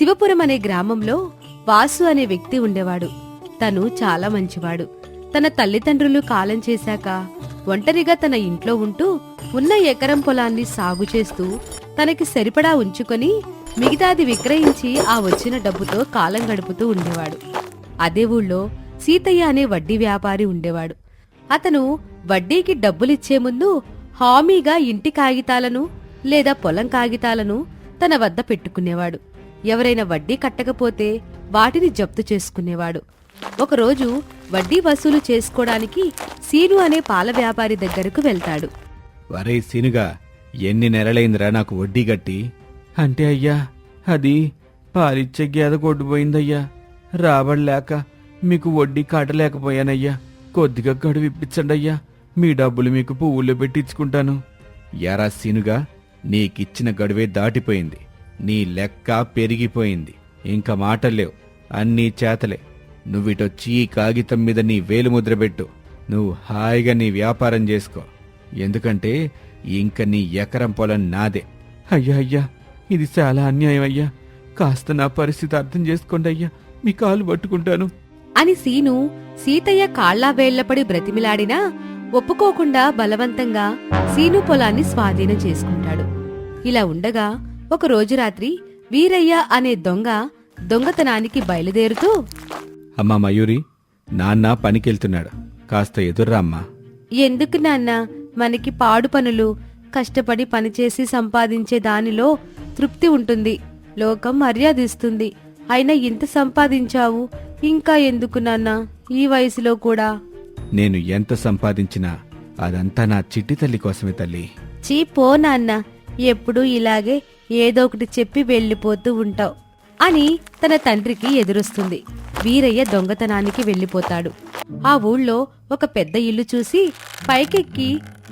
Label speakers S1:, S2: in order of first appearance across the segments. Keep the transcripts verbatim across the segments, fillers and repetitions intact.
S1: శివపురం అనే గ్రామంలో వాసు అనే వ్యక్తి ఉండేవాడు. తను చాలా మంచివాడు. తన తల్లిదండ్రులు కాలం చేశాక ఒంటరిగా తన ఇంట్లో ఉంటూ ఉన్న ఎకరం పొలాన్ని సాగు చేస్తూ తనకి సరిపడా ఉంచుకొని మిగతాది విక్రయించి ఆ వచ్చిన డబ్బుతో కాలం గడుపుతూ ఉండేవాడు. అదే ఊళ్ళో సీతయ్య అనే వడ్డీ వ్యాపారి ఉండేవాడు. అతను వడ్డీకి డబ్బులిచ్చే ముందు హామీగా ఇంటి కాగితాలను లేదా పొలం కాగితాలను తన వద్ద పెట్టుకునేవాడు. ఎవరైనా వడ్డీ కట్టకపోతే వాటిని జప్తు చేసుకునేవాడు. ఒకరోజు వడ్డీ వసూలు చేసుకోవడానికి సీను అనే పాల వ్యాపారి దగ్గరకు వెళ్తాడు.
S2: వరే సీనుగా, ఎన్ని నెలలైందిరా నాకు వడ్డీ గట్టి? అంటే అయ్యా, అది పాలిచ్చే గేద కొట్టుపోయిందయ్యా. రాబడలేక మీకు వడ్డీ కట్టలేకపోయానయ్యా. కొద్దిగా గడువు ఇప్పించండి అయ్యా. మీ డబ్బులు మీకు పువ్వుల్లో పెట్టించుకుంటాను. యారా సీనుగా, నీకిచ్చిన గడువే దాటిపోయింది. నీ లెక్క పెరిగిపోయింది. ఇంకా మాటలేవు, అన్నీ చేతలే. నువ్విటొచ్చి ఈ కాగితం మీద నీ వేలుముద్ర పెట్టు. నువ్వు హాయిగా నీ వ్యాపారం చేసుకో. ఎందుకంటే ఇంక నీ ఎకరం పొలం నాదే. అయ్యా అయ్యా, ఇది చాలా అన్యాయం అయ్యా. కాస్త నా పరిస్థితి అర్థం చేసుకోండి అయ్యా. మీ కాలు పట్టుకుంటాను
S1: అని సీను సీతయ్య కాళ్లా వేళ్లపడి బ్రతిమిలాడినా ఒప్పుకోకుండా బలవంతంగా సీను పొలాన్ని స్వాధీనం చేసుకుంటాడు. ఇలా ఉండగా ఒక రోజు రాత్రి వీరయ్య అనే దొంగ దొంగతనానికి బయలుదేరుతూ,
S2: అమ్మా మయూరి, నాన్న పనికెళ్తున్నాడు, కాస్త ఎదుర్రా అమ్మా.
S1: ఎందుకు నాన్నా? మనకి పాడు పనులు, కష్టపడి పనిచేసి సంపాదించే దానిలో తృప్తి ఉంటుంది, లోకం మర్యాదిస్తుంది. అయినా ఇంత సంపాదించావు, ఇంకా ఎందుకు నాన్నా ఈ వయసులో కూడా?
S2: నేను ఎంత సంపాదించినా అదంతా నా చిట్టి తల్లి కోసమే తల్లి.
S1: చీ పో నాన్న, ఎప్పుడూ ఇలాగే ఏదో ఒకటి చెప్పి వెళ్ళిపోతూ ఉంటావు అని తన తండ్రికి ఎదురొస్తుంది. వీరయ్య దొంగతనానికి వెళ్ళిపోతాడు. ఆ ఊళ్ళో ఒక పెద్ద ఇల్లు చూసి పైకెక్కి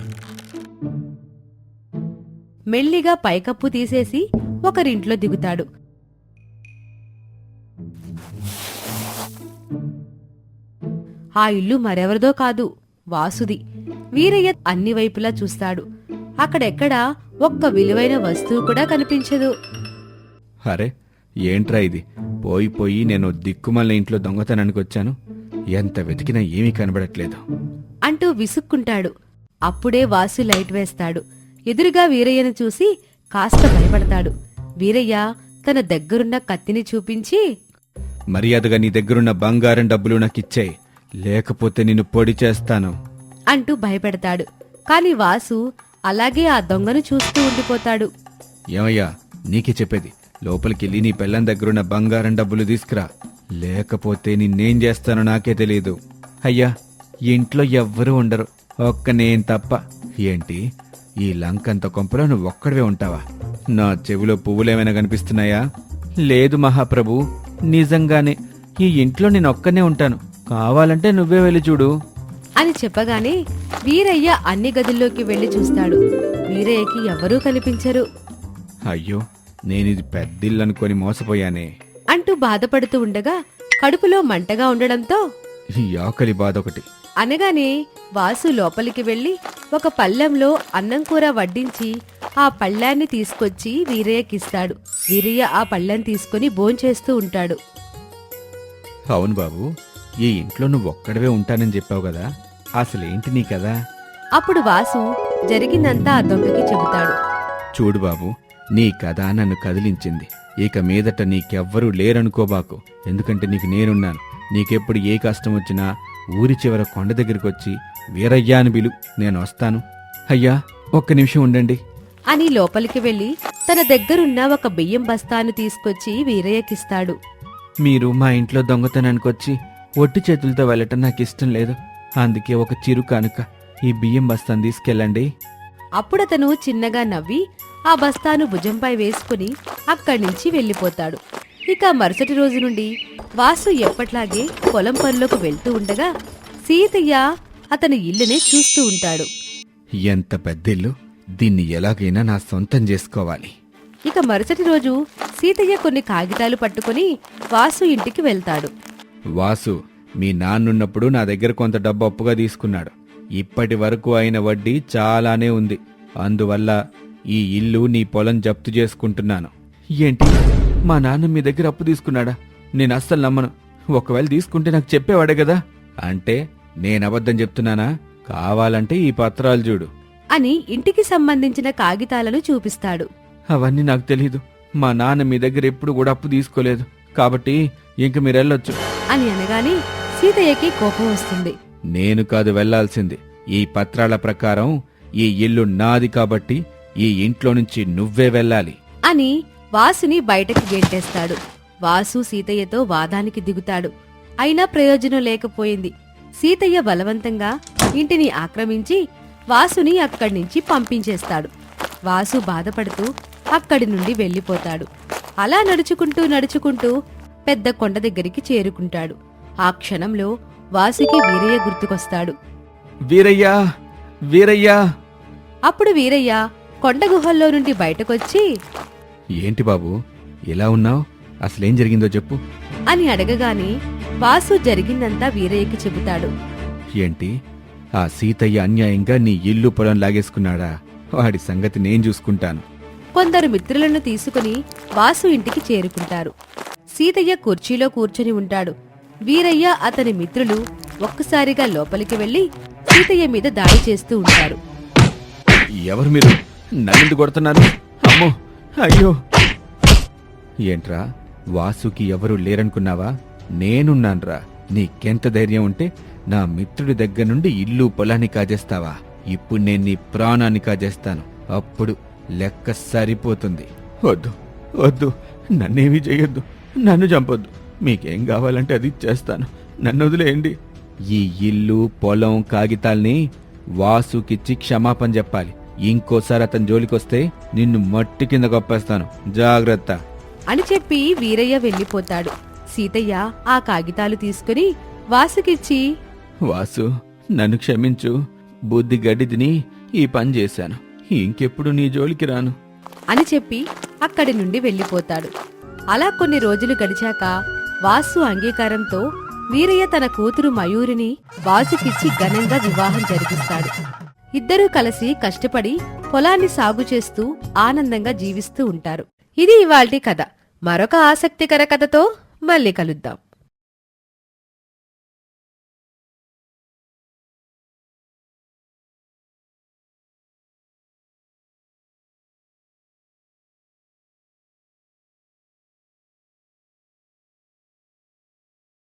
S1: మెల్లిగా పైకప్పు తీసేసి ఒకరింట్లో దిగుతాడు. ఆ ఇల్లు మరెవరిదో కాదు, వాసుది. వీరయ్య అన్ని వైపులా చూస్తాడు. అక్కడెక్కడా ఒక్క విలువైన వస్తువు కూడా కనిపించదు.
S2: అరే, ఏంట్రా ఇది? పోయి పోయి నేను దిక్కుమల్ల ఇంట్లో దొంగతనానికి వచ్చాను. ఎంత వెతికినా ఏమీ కనబడట్లేదు
S1: అంటూ విసుక్కుంటాడు. అప్పుడే వాసు లైట్ వేస్తాడు. ఎదురుగా వీరయ్యను చూసి కాస్త భయపడతాడు. వీరయ్య తన దగ్గరున్న కత్తిని చూపించి,
S2: మర్యాదగా నీ దగ్గరున్న బంగారం డబ్బులు నాకిచ్చేయ్, లేకపోతే నిన్ను పొడి చేస్తాను
S1: అంటూ భయపెడతాడు. కాని వాసు అలాగే ఆ దొంగను చూస్తూ ఉండిపోతాడు.
S2: ఏమయ్యా, నీకే చెప్పేది, లోపలికెళ్ళి నీ పెళ్ళం దగ్గరున్న బంగారం డబ్బులు తీసుకురా, లేకపోతే నిన్నేం చేస్తానో నాకే తెలియదు. అయ్యా, ఇంట్లో ఎవ్వరూ ఉండరు, ఒక్క నేను తప్ప. ఏంటి, ఈ లంకంత కొంపలో నువ్వు ఒక్కడివే ఉంటావా? నా చెవిలో పువ్వులేమైనా కనిపిస్తున్నాయా? లేదు మహాప్రభు, నిజంగానే ఈ ఇంట్లో నేను ఒక్కనే ఉంటాను. కావాలంటే నువ్వే వెళ్ళి చూడు
S1: అని చెప్పగానే వీరయ్య అన్ని గదుల్లోకి వెళ్లి చూస్తాడు. వీరయ్యకి ఎవరూ కనిపించరు.
S2: అయ్యో, నేనిది పెద్దిల్లనుకొని మోసపోయానే
S1: అంటూ బాధపడుతూ ఉండగా కడుపులో మంటగా ఉండడంతో
S2: ఈ ఆకలి బాధ ఒకటి
S1: అనగానే వాసు లోపలికి వెళ్లి ఒక పళ్ళెంలో అన్నం కూర వడ్డించి ఆ పళ్ళాన్ని తీసుకొచ్చి వీరయ్యకిస్తాడు. వీరయ్య ఆ పళ్ళెం తీసుకుని భోంచేస్తూ ఉంటాడు.
S2: అవును బాబు, ఈ ఇంట్లో నువ్వు ఒక్కడవే ఉంటానని చెప్పావు కదా, అసలేంటి నీ కదా?
S1: అప్పుడు వాసు జరిగిందంతా ఆ దొంగకి చెబుతాడు.
S2: చూడు బాబు, నీ కథ నన్ను కదిలించింది. ఇక మీదట నీకెవ్వరూ లేరనుకోబాకు, ఎందుకంటే నీకు నేనున్నాను. నీకెప్పుడు ఏ కష్టం వచ్చినా ఊరి చివర కొండ దగ్గరికి వచ్చి వీరయ్యా అని పిలు, నేను వస్తాను. అయ్యా, ఒక్క నిమిషం ఉండండి
S1: అని లోపలికి వెళ్లి తన దగ్గరున్న ఒక బియ్యం బస్తాను తీసుకొచ్చి వీరయ్యకిస్తాడు.
S2: మీరు మా ఇంట్లో దొంగతనానికి వచ్చి ఒట్టి చేతులతో వెళ్ళటం నాకు ఇష్టం లేదు. అందుకే ఒక చిరు కానుక, ఈ బియ్యం బస్తాను తీసుకెళ్ళండి.
S1: అప్పుడతను చిన్నగా నవ్వి ఆ బస్తాను భుజంపై వేసుకుని అక్కడి నుంచి వెళ్ళిపోతాడు. ఇక మరుసటి రోజు నుండి వాసు ఎప్పట్లాగే పొలం పనులకు వెళ్తూ ఉండగా సీతయ్య అతని ఇల్లునే చూస్తూ ఉంటాడు.
S2: ఎంత పెద్దిల్లు, దీన్ని ఎలాగైనా నా సొంతం చేసుకోవాలి.
S1: ఇక మరుసటి రోజు సీతయ్య కొన్ని కాగితాలు పట్టుకుని వాసు ఇంటికి వెళ్తాడు.
S2: వాసు, మీ నాన్నున్నప్పుడు నా దగ్గర కొంత డబ్బు అప్పుగా తీసుకున్నాడు. ఇప్పటి వరకు అయిన వడ్డీ చాలానే ఉంది. అందువల్ల ఈ ఇల్లు నీ పొలం జప్తు చేసుకుంటున్నాను. ఏంటి, మా నాన్న మీ దగ్గర అప్పు తీసుకున్నాడా? నేను అస్సలు నమ్మను. ఒకవేళ తీసుకుంటే నాకు చెప్పేవాడే కదా. అంటే నేను అబద్ధం చెప్తున్నానా? కావాలంటే ఈ పత్రాలు చూడు
S1: అని ఇంటికి సంబంధించిన కాగితాలను చూపిస్తాడు.
S2: అవన్నీ నాకు తెలీదు. మా నాన్న మీ దగ్గర ఎప్పుడు కూడా అప్పు తీసుకోలేదు. కాబట్టి ఇంక మీరెళ్ళొచ్చు
S1: అని అనగానే సీతయ్యకి కోపం వస్తుంది.
S2: నేను కాదు వెళ్లాల్సింది. ఈ పత్రాల ప్రకారం ఈ ఇల్లు నాది కాబట్టి ఈ ఇంట్లో నుంచి నువ్వే వెళ్ళాలి
S1: అని వాసుని బయటకి గెంటేస్తాడు. వాసు సీతయ్యతో వాదానికి దిగుతాడు. అయినా ప్రయోజనం లేకపోయింది. సీతయ్య బలవంతంగా ఇంటిని ఆక్రమించి వాసుని అక్కడి నుంచి పంపించేస్తాడు. వాసు బాధపడుతూ అక్కడి నుండి వెళ్ళిపోతాడు. అలా నడుచుకుంటూ నడుచుకుంటూ పెద్ద కొండ దగ్గరికి చేరుకుంటాడు. ఆ క్షణంలో వాసుకి వీరయ్య గుర్తుకొస్తాడు.
S2: వీరయ్యా వీరయ్యా
S1: అప్పుడు వీరయ్య కొండ గుహల్లో నుండి బయటకొచ్చి
S2: ఏంటి బాబు ఇలా ఉన్నావు? అసలేం జరిగిందో చెప్పు
S1: అని అడగగానే వాసు జరిగిందంతా వీరయ్యకి చెబుతాడు.
S2: ఏంటి, ఆ సీతయ్య అన్యాయంగా నీ ఇల్లు పొలం లాగేసుకున్నాడా? వాడి సంగతి నేను చూసుకుంటాను.
S1: కొందరు మిత్రులను తీసుకుని వాసు ఇంటికి చేరుకుంటారు. సీతయ్య కుర్చీలో కూర్చొని ఉంటాడు. వీరయ్య అతని మిత్రులు ఒక్కసారిగా లోపలికి వెళ్లి సీతయ్య మీద దాడి చేస్తూ ఉంటారు.
S2: ఎవరు మీరు? నన్ను కొడుతున్నారు? అమ్మో, అయ్యో! ఏంట్రా, వాసుకి ఎవరు లేరనుకున్నావా? నేనున్నాన్రా. నీకెంత ధైర్యం ఉంటే నా మిత్రుడి దగ్గర నుండి ఇల్లు పొలాన్ని కాజేస్తావా? ఇప్పుడు నేను నీ ప్రాణాన్ని కాజేస్తాను. అప్పుడు లెక్క సరిపోతుంది. వద్దు వద్దు, నన్నేమీ చెయ్యొద్దు. నన్ను చంపొద్దు. మీకేం కావాలంటే అది చేస్తాను. నన్ను వదిలేయండి. ఈ ఇల్లు పొలం కాగితాల్ని వాసుకిచ్చి క్షమాపణ చెప్పాలి. ఇంకోసారి అతని జోలికొస్తే నిన్ను మట్టి కింద గొప్పేస్తాను. జాగ్రత్త
S1: అని చెప్పి వీరయ్య వెళ్ళిపోతాడు. సీతయ్య ఆ కాగితాలు తీసుకుని వాసుకిచ్చి,
S2: వాసు, నన్ను క్షమించు. బుద్ధి గడ్డి తిని ఈ పని చేశాను. ఇంకెప్పుడు నీ జోలికి రాను
S1: అని చెప్పి అక్కడి నుండి వెళ్ళిపోతాడు. అలా కొన్ని రోజులు గడిచాక వాసు అంగీకారంతో వీరయ్య తన కూతురు మయూరిని వాసుకిచ్చి ఘనంగా వివాహం జరిపిస్తాడు. ఇద్దరూ కలిసి కష్టపడి పొలాన్ని సాగు చేస్తూ ఆనందంగా జీవిస్తూ ఉంటారు. ఇది ఇవాల్టి కథ. మరొక ఆసక్తికర కథతో మళ్ళీ కలుద్దాం.